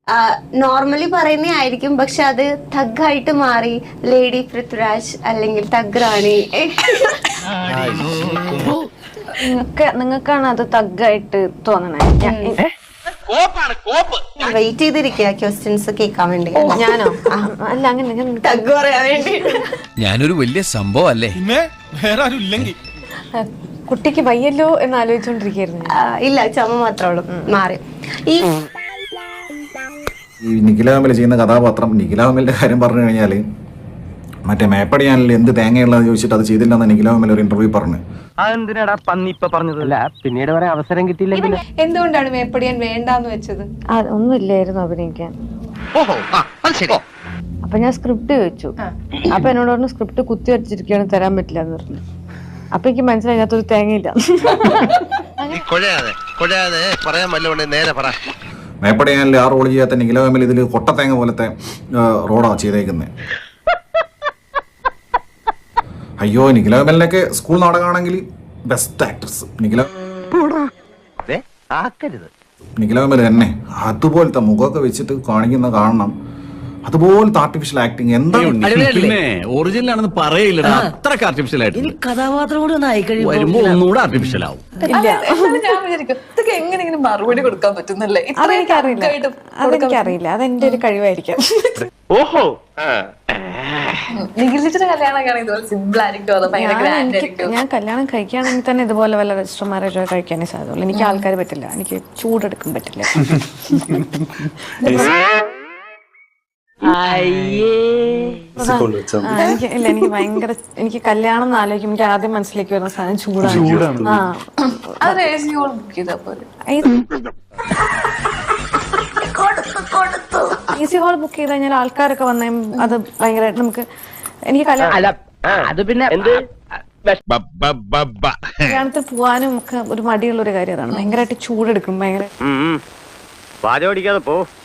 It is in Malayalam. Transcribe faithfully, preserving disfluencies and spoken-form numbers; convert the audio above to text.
നോർമലി പറയുന്നേ ആയിരിക്കും, പക്ഷെ അത് തഗ്ഗായിട്ട് മാറി ലേഡി പൃഥ്വിരാജ് അല്ലെങ്കിൽ തഗ് റാണി. നിങ്ങൾക്ക് നിങ്ങൾക്കാണ് അത് തഗ്ഗായിട്ട് തോന്നണേ. വെയിറ്റ് ചെയ്തിരിക്കുക ക്വസ്റ്റ്യൻസ് കേൾക്കാൻ വേണ്ടി. ഞാനോ? അല്ല, അങ്ങനെ തഗ് പറയാൻ വേണ്ടി. ഞാനൊരു വലിയ സംഭവം അല്ലേ? കുട്ടിക്ക് വയ്യല്ലോ എന്ന് ആലോചിച്ചോണ്ടിരിക്കുന്നു. ഇല്ല, ചുമ മാത്രമേ ഉള്ളൂ, മാറി. ഈ ഈ നിഖില കമൽ ചെയ്യുന്ന കഥാപാത്രം, നിഖില കമലിന്റെ കാര്യം പറഞ്ഞു കഴിഞ്ഞാൽ മറ്റേ മേപ്പടി ചാനലിൽ എന്ത് തേങ്ങയുള്ളതെന്ന് ചോദിച്ചിട്ട് അത് ചെയ്തില്ലെന്ന് നിഖില കമൽ ഒരു ഇന്റർവ്യൂ പറഞ്ഞു. അതെന്തിനാടാ പന്നി ഇപ്പൊ പറഞ്ഞതല്ല, പിന്നീട് പറയാൻ അവസരം കിട്ടിയില്ലെങ്കിൽ എന്തുകൊണ്ടാണ് മേപ്പടിയാൻ വേണ്ടാന്ന് വെച്ചത്? ഒന്നുമില്ലായിരുന്നു അഭിനയിക്കാൻ. അപ്പൊ ഞാൻ സ്ക്രിപ്റ്റ് ചോദിച്ചു. അപ്പൊ എന്നോട് പറഞ്ഞു സ്ക്രിപ്റ്റ് കുത്തി വരച്ചിരിക്കുകയാണ്, തരാൻ പറ്റില്ല എന്ന് പറഞ്ഞു. അപ്പൊ എനിക്ക് മനസ്സിലായി അതിനകത്തൊരു തേങ്ങയില്ല. മേപ്പടി ചാനലിൽ ആ റോൾ ചെയ്യാത്ത നിഖില കമൽ ഇതിൽ കൊട്ടത്തേങ്ങ പോലത്തെ റോഡാണ് ചെയ്തേക്കുന്നത്. അയ്യോ, നിഖില കമലിനൊക്കെ സ്കൂൾ നാടകമാണെങ്കിൽ ബെസ്റ്റ് ആക്ട്രസ് നിഖില നിഖില കമൽ തന്നെ. അതുപോലത്തെ മുഖമൊക്കെ വെച്ചിട്ട് കാണിക്കുന്ന കാണണം, അതുപോലത്തെ ആർട്ടിഫിഷ്യൽ ആക്ടിങ് എന്താണ്? ഒറിജിനൽ ആണെന്ന് പറയില്ല, അത്രക്ക് ആർട്ടിഫിഷ്യൽ ആയിട്ട് കഥാപാത്രം കൂടി ഒന്ന് ആയിക്കഴിഞ്ഞു വരുമ്പോ ഒന്നുകൂടെ ആർട്ടിഫിഷ്യൽ ആവും. ഞാൻ വിചാരിക്കും ഇതൊക്കെ എങ്ങനെ ഇങ്ങനെ മറുപടി കൊടുക്കാൻ പറ്റുന്നല്ലേ? അതെനിക്കറിയില്ല, അതെനിക്കറിയില്ല, അതെന്റെ ഒരു കഴിവായിരിക്കാം. ഓഹോ, നിഖിലിന്റെ കല്യാണമൊക്കെ ഇതുപോലെ സിമ്പിൾ ആയിരിക്കും, അതോ ഭയങ്കര ഗ്രാൻഡ് ആയിരിക്കും? ഞാൻ കല്യാണം കഴിക്കുകയാണെങ്കിൽ തന്നെ ഇതുപോലെ വല്ല രജിസ്റ്റർ മാരേജോ കഴിക്കാനേ സാധ്യതയുള്ളൂ. എനിക്ക് ആൾക്കാർ പറ്റില്ല, എനിക്ക് ചൂടെടുക്കാൻ പറ്റില്ല. എനിക്ക് ഇല്ല, എനിക്ക് ഭയങ്കര എനിക്ക് കല്യാണം എന്ന് ആലോചിക്കും എനിക്ക് ആദ്യം മനസ്സിലേക്ക് വരുന്ന സാധനം ചൂടാണ്. ആ, അത് എസി ഹോൾ ബുക്ക് ചെയ്താൽ പോലെ. ഈസി ഹോൾ ബുക്ക് ചെയ്ത് കഴിഞ്ഞാൽ ആൾക്കാരൊക്കെ വന്നേ അത് ഭയങ്കരമായിട്ട് നമുക്ക് എനിക്ക് കല്യാണം അത് പിന്നെ കല്യാണത്തിൽ പോവാനും ഒക്കെ ഒരു മടിയുള്ള ഒരു കാര്യം അതാണ്. ഭയങ്കരമായിട്ട് ചൂടെടുക്കും, ഭയങ്കര വാചോടിക്കാതെ പോ.